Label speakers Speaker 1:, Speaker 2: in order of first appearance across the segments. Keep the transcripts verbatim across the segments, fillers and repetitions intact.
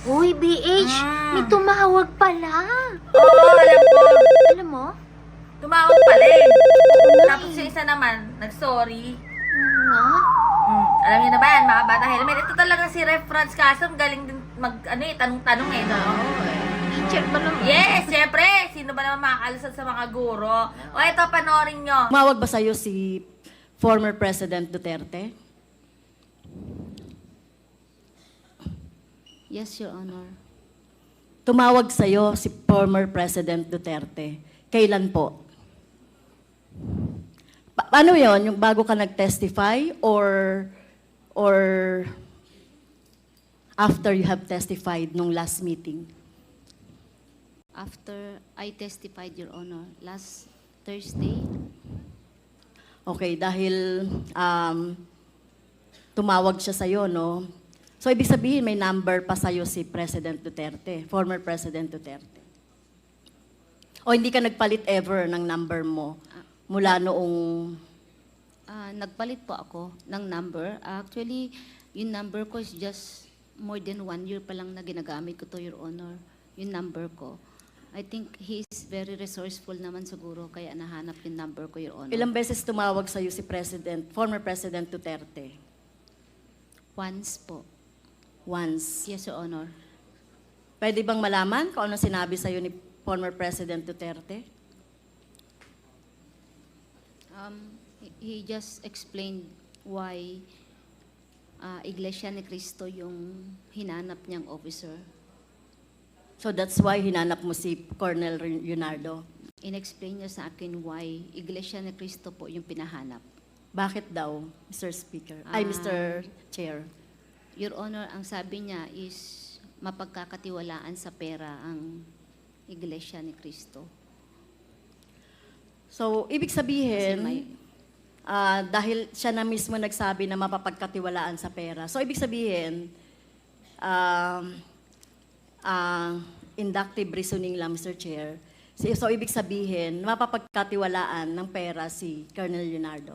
Speaker 1: Uy, B H,
Speaker 2: Mm.
Speaker 1: may tumawag pala.
Speaker 2: Oo, alam ko.
Speaker 1: Alam mo?
Speaker 2: Tumawag pala eh.
Speaker 1: Oo nga
Speaker 2: Tapos
Speaker 1: eh.
Speaker 2: yung isa naman, nag-sorry.
Speaker 1: Oo nga.
Speaker 2: Mm, alam niyo na ba yan, mga bata helmet? Ito talaga si Ref Franz Castro, galing din mag, ano eh, tanong-tanong eh, no?
Speaker 1: Teacher ba naman?
Speaker 2: Yes, syempre! Sino ba naman makakalusad sa mga guro? O ito, panoorin nyo.
Speaker 3: Tumawag ba sa'yo si former President Duterte?
Speaker 4: Yes, Your Honor.
Speaker 3: Tumawag sa'yo si former President Duterte. Kailan po? Pa- paano yon? Yung bago ka nag-testify or or after you have testified nung last meeting?
Speaker 4: After I testified, Your Honor, last Thursday,
Speaker 3: Okay, dahil um, tumawag siya sa'yo, no? So, ibig sabihin, may number pa sa'yo si President Duterte, former President Duterte. O hindi ka nagpalit ever ng number mo mula noong...
Speaker 4: ah, nagpalit po ako ng number. Actually, yung number ko is just more than one year pa lang na ginagamit ko to, Your Honor. Yung number ko. I think he is very resourceful naman siguro, kaya nahanap yung number ko, Your Honor.
Speaker 3: Ilang beses tumawag sa'yo si President, former President Duterte?
Speaker 4: Once po.
Speaker 3: Once.
Speaker 4: Yes, Your Honor.
Speaker 3: Pwede bang malaman kung ano sinabi sa'yo ni former President Duterte?
Speaker 4: Um, he- he just explained why ah, Iglesia ni Cristo yung hinanap niyang officer.
Speaker 3: So that's why hinanap mo si Colonel Leonardo.
Speaker 4: In-explain niya sa akin why Iglesia ni Cristo po yung pinahanap.
Speaker 3: Bakit daw, Mister Speaker? Ay,
Speaker 4: Ah.
Speaker 3: Mister Chair.
Speaker 4: Your Honor, ang sabi niya is mapagkakatiwalaan sa pera ang Iglesia ni Cristo.
Speaker 3: So, ibig
Speaker 4: Kasi
Speaker 3: sabihin,
Speaker 4: may-
Speaker 3: ah, dahil siya na mismo nagsabi na mapapagkatiwalaan sa pera. So, ibig sabihin, um, ah, inductive reasoning lang, Mister Chair. So, so, ibig sabihin, mapapagkatiwalaan ng pera si Colonel Leonardo.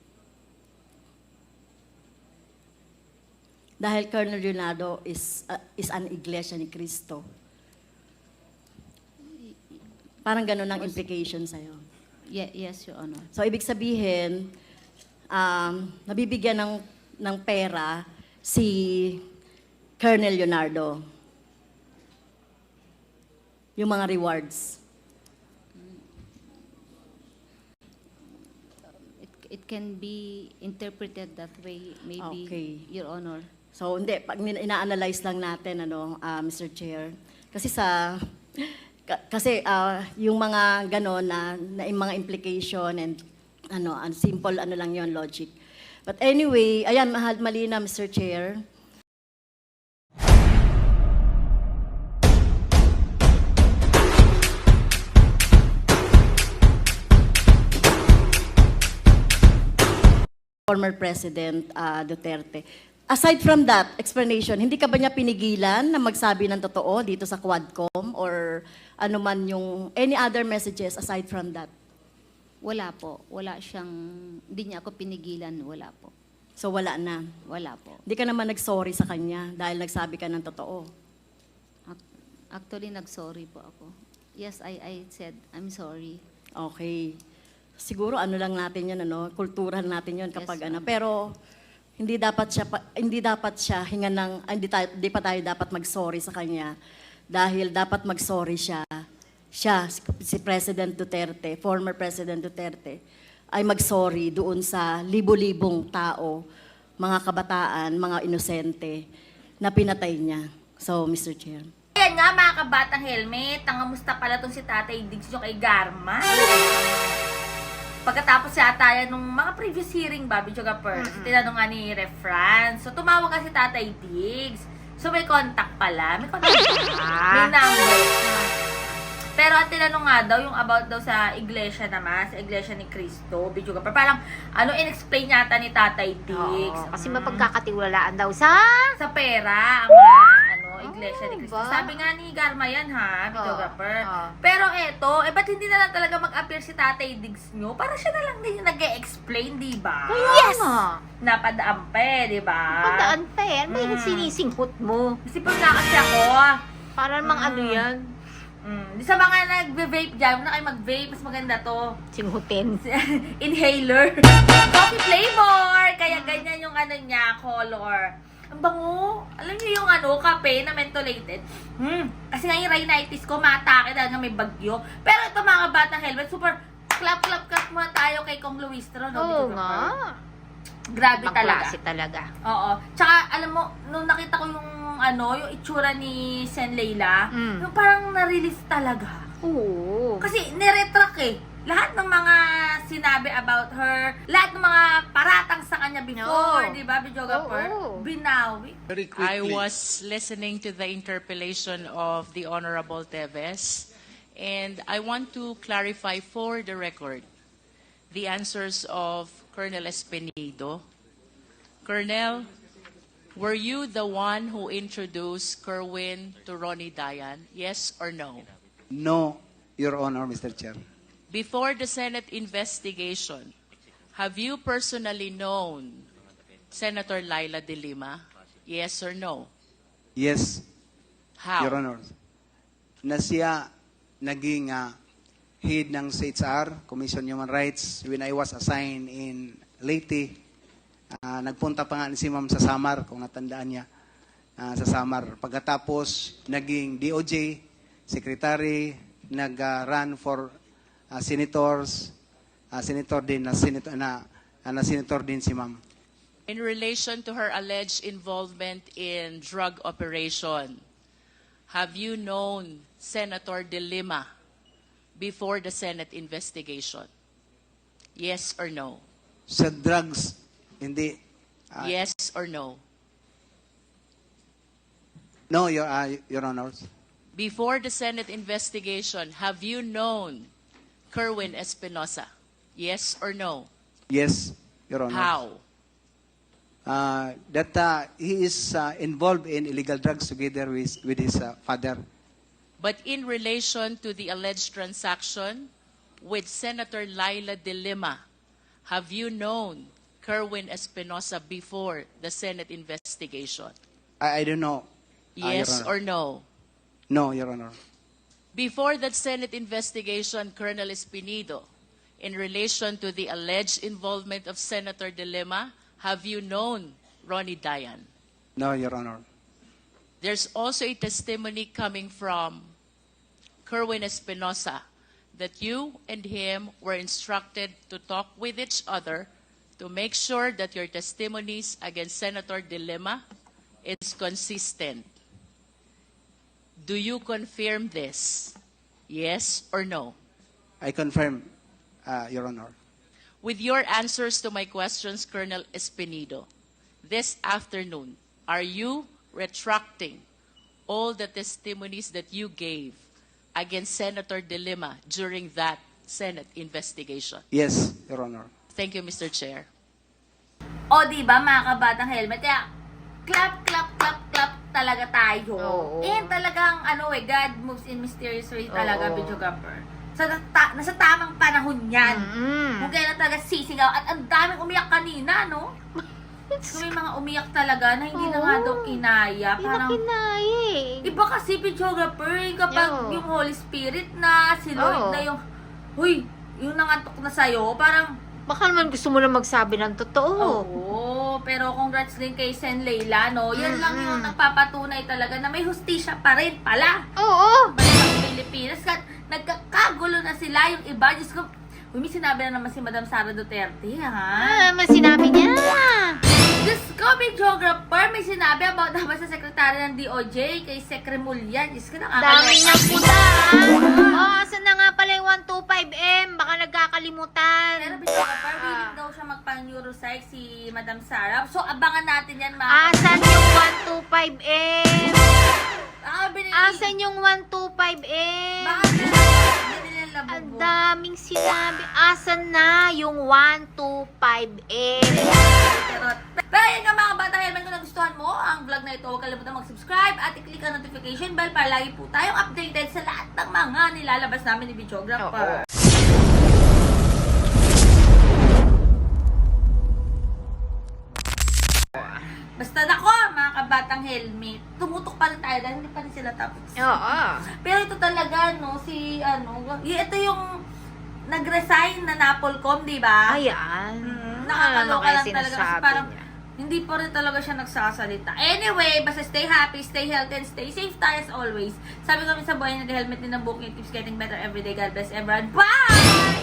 Speaker 3: Dahil Colonel Leonardo is, ah, is an iglesia ni Cristo. Parang ganun ang implication sa'yo.
Speaker 4: Ye- yes, Your Honor.
Speaker 3: So, ibig sabihin, um, nabibigyan ng, ng pera si Colonel Leonardo. Yung mga rewards.
Speaker 4: It, it can be interpreted that way, maybe,
Speaker 3: Okay.
Speaker 4: Your Honor.
Speaker 3: So, hindi, pag ina- ina-analyze lang natin, ano, ah, Mister Chair, kasi sa, ka- kasi ah, yung mga gano'n na, na yung mga implication and ano, ang simple ano lang yon logic. But anyway, ayan, mahal, mali na, Mister Chair. Former President ah, Duterte. Aside from that explanation, hindi ka ba niya pinigilan na magsabi ng totoo dito sa Quadcom or ano man yung any other messages aside from that?
Speaker 4: Wala po. Wala siyang, hindi niya ako pinigilan. Wala po.
Speaker 3: So wala na.
Speaker 4: Wala po.
Speaker 3: Hindi ka naman nag-sorry sa kanya dahil nagsabi ka ng totoo.
Speaker 4: Ac- Actually, nag-sorry po ako. Yes, I, I said, I'm sorry.
Speaker 3: Okay. Siguro ano lang natin 'yan ano, kultural natin 'yon kapag
Speaker 4: Yes,
Speaker 3: ano.
Speaker 4: ma'am.
Speaker 3: Pero hindi dapat siya pa- hindi dapat siya hinga ng ah, hindi, tayo, hindi pa tayo dapat mag-sorry sa kanya dahil dapat mag-sorry siya. Siya si, si President Duterte, former President Duterte ay mag-sorry doon sa libo-libong tao, mga kabataan, mga inosente na pinatay niya. So, Mister Chair.
Speaker 2: Ayan nga mga kabatang helmet, nangamusta pala tong si Tatay Diggs yung kay Garma. Pagkatapos yata yan nung mga previous hearing ba, Bidyo Gapers, tinanong nga ni Ref Franz. So tumawag ka si Tatay Diggs. So may contact pala. May contact pala. May number. Pero ang tinanong nga daw, yung about daw sa iglesia naman, sa iglesia ni Cristo, Bidyo Gapers. Parang ano, in-explain yata ni Tatay Diggs.
Speaker 1: Oo, kasi
Speaker 2: Mm.
Speaker 1: mapagkakatiwalaan daw sa...
Speaker 2: Sa pera, ang mga ano, iglesia ni Cristo.
Speaker 1: ba?
Speaker 2: Sabi nga ni Garma yan ha, videographer.
Speaker 1: Oo.
Speaker 2: Pero eto, eh ba't hindi na lang talaga mag-appear si Tatay Diggs nyo? Para siya na lang din yung nag-e-explain, di ba?
Speaker 1: Yes! Nga.
Speaker 2: Napadaan pa eh, di ba?
Speaker 1: Pagdaan pa eh. Ano ba yung
Speaker 2: Mm.
Speaker 1: sinisinghot mo?
Speaker 2: Kasi pag na kasi ako,
Speaker 1: Para namang
Speaker 2: Mm.
Speaker 1: ano yan?
Speaker 2: mm, di sa mga nag-vape dyan, huwag na kayo mag-vape, mas maganda to.
Speaker 1: Singhutin.
Speaker 2: Inhaler. Coffee flavor! Kaya ganyan yung ano niya, color. Ang bango. Alam niyo yung ano, kape na mentholated. Hmm. Kasi nga yung rhinitis ko, matake dahil nga may bagyo. Pero ito mga batang helmet, super clap, clap, clap muna tayo kay Kong Luistro. No?
Speaker 1: Oo
Speaker 2: Video
Speaker 1: nga.
Speaker 2: Kapar. Grabe
Speaker 1: Ibang
Speaker 2: talaga.
Speaker 1: klase talaga.
Speaker 2: Oo. Tsaka, alam mo, nung nakita ko yung ano, yung itsura ni Sen Leila,
Speaker 1: Mm.
Speaker 2: yung parang na-release talaga.
Speaker 1: Oo.
Speaker 2: Kasi niretract eh. Lahat ng mga sinabi about her, lahat ng mga paratang sa kanya before,
Speaker 1: No.
Speaker 2: di ba, videographer?
Speaker 1: Oo.
Speaker 2: Binawi.
Speaker 5: I
Speaker 6: Very quickly.
Speaker 5: was listening to the interpellation of the Honorable Teves, and I want to clarify for the record the answers of Colonel Espinido. Colonel, were you the one who introduced Kerwin to Ronnie Dayan? Yes or no?
Speaker 6: No, Your Honor, Mister Chair.
Speaker 5: Before the Senate investigation, have you personally known Senator Laila De Lima? Yes or no?
Speaker 6: Yes,
Speaker 5: How?
Speaker 6: Your Honor. Na siya naging ah, head ng C H R, Commission on Human Rights, when I was assigned in Leyte. Ah, nagpunta pa nga si Ma'am sa Samar, kung natandaan niya, ah, sa Samar. Pagkatapos, naging D O J, Secretary, nag-run for ah, senators, ah, senator din, na, senator, na, ah, na senator din si Ma'am.
Speaker 5: In relation to her alleged involvement in drug operation, have you known Senator De Lima before the Senate investigation? Yes or no?
Speaker 6: Sa drugs, hindi. ah,
Speaker 5: Yes or no?
Speaker 6: No, Your, ah, Your Honor.
Speaker 5: Before the Senate investigation, have you known Kerwin Espinosa? Yes or no?
Speaker 6: Yes, Your Honor.
Speaker 5: How?
Speaker 6: Uh, that uh, he is uh, involved in illegal drugs together with, with his uh, father.
Speaker 5: But in relation to the alleged transaction with Senator Laila De Lima, have you known Kerwin Espinosa before the Senate investigation?
Speaker 6: I, I don't know. uh, Your
Speaker 5: Yes
Speaker 6: Honor.
Speaker 5: or no?
Speaker 6: No, Your Honor.
Speaker 5: Before that Senate investigation, Colonel Espinido, in relation to the alleged involvement of Senator De Lima, have you known Ronnie Dayan?
Speaker 6: No, Your Honor.
Speaker 5: There's also a testimony coming from Kerwin Espinosa that you and him were instructed to talk with each other to make sure that your testimonies against Senator De Lima is consistent. Do you confirm this? Yes or no?
Speaker 6: I confirm, uh, Your Honor.
Speaker 5: With your answers to my questions, Colonel Espinido, this afternoon, are you retracting all the testimonies that you gave against Senator De Lima during that Senate investigation?
Speaker 6: Yes, Your Honor.
Speaker 5: Thank you, Mister Chair.
Speaker 2: O, di ba, mga kabatang helmet? Kaya, clap, clap, clap, clap talaga tayo.
Speaker 1: Oo.
Speaker 2: And talagang, ano eh, God moves in mysterious way talaga,
Speaker 1: Oo.
Speaker 2: videographer. Sa ta- nasa tamang panahon yan.
Speaker 1: Mm.
Speaker 2: Kung kailan talaga sisigaw. At ang daming umiyak kanina, no? So, may mga umiyak talaga na hindi na nga
Speaker 1: Oo.
Speaker 2: daw kinaya.
Speaker 1: Hindi na
Speaker 2: Parang,
Speaker 1: kinaya eh.
Speaker 2: iba kasi, videographer, eh, kapag
Speaker 1: Oo.
Speaker 2: yung Holy Spirit na, si Lord
Speaker 1: Oo.
Speaker 2: na yung, huy, yung nangantok na sa'yo, parang,
Speaker 1: Baka naman gusto mo na magsabi ng totoo.
Speaker 2: oo, pero congrats din kay Sen Leila, no? Yan lang
Speaker 1: Mm-mm.
Speaker 2: yung nagpapatunay talaga na may hustisya pa rin pala.
Speaker 1: Oo.
Speaker 2: Balik sa Pilipinas. Kat, nagkakagulo na sila yung iba. Diyos ko, uy, may sinabi na naman si Madam Sara Duterte, ha?
Speaker 1: Ah, may sinabi niya.
Speaker 2: Diyos ko, may geographer, may sinabi about dapat sa sekretary ng D O J, kay Secre Mulyan. Diyos ko, nakakaloka.
Speaker 1: Dami niyang puta. Oh, asan na nga pala yung one two five M? Baka nagkakalimutan.
Speaker 2: Pero geographer, willing daw siya magpang-neuropsych si Madam Sara. So, abangan natin yan, mga
Speaker 1: Asan yung one two five M?
Speaker 2: Ah, binili.
Speaker 1: Asan yung one two five M?
Speaker 2: Baka binili ng
Speaker 1: Ang
Speaker 2: labubo.
Speaker 1: daming sinabi. Asan na yung one two five M?
Speaker 2: Pero, Pero yun nga mga bata helmet, kung nagustuhan mo ang vlog na ito, huwag kalimutan mag-subscribe at i-click ang notification bell para lagi po tayong updated sa lahat ng mga nilalabas namin ni Videographer. Basta nako, mga kabatang helmet, tumutok pa rin tayo dahil hindi pa rin sila tapos.
Speaker 1: Oo.
Speaker 2: Pero ito talaga, no, si, ano, y- ito yung nag-resign na Napolcom, di ba?
Speaker 1: Ayan.
Speaker 2: Mm,
Speaker 1: Ano
Speaker 2: nakakaloka
Speaker 1: kaya
Speaker 2: lang talaga kasi
Speaker 1: sinasabi
Speaker 2: parang
Speaker 1: niya?
Speaker 2: hindi pa rin talaga siya nagsasalita. Anyway, basta stay happy, stay healthy, and stay safe tayo as always. Sabi kami sa buhay, nag-helmet din ng booking, it keeps getting better every day. God bless everyone. Bye!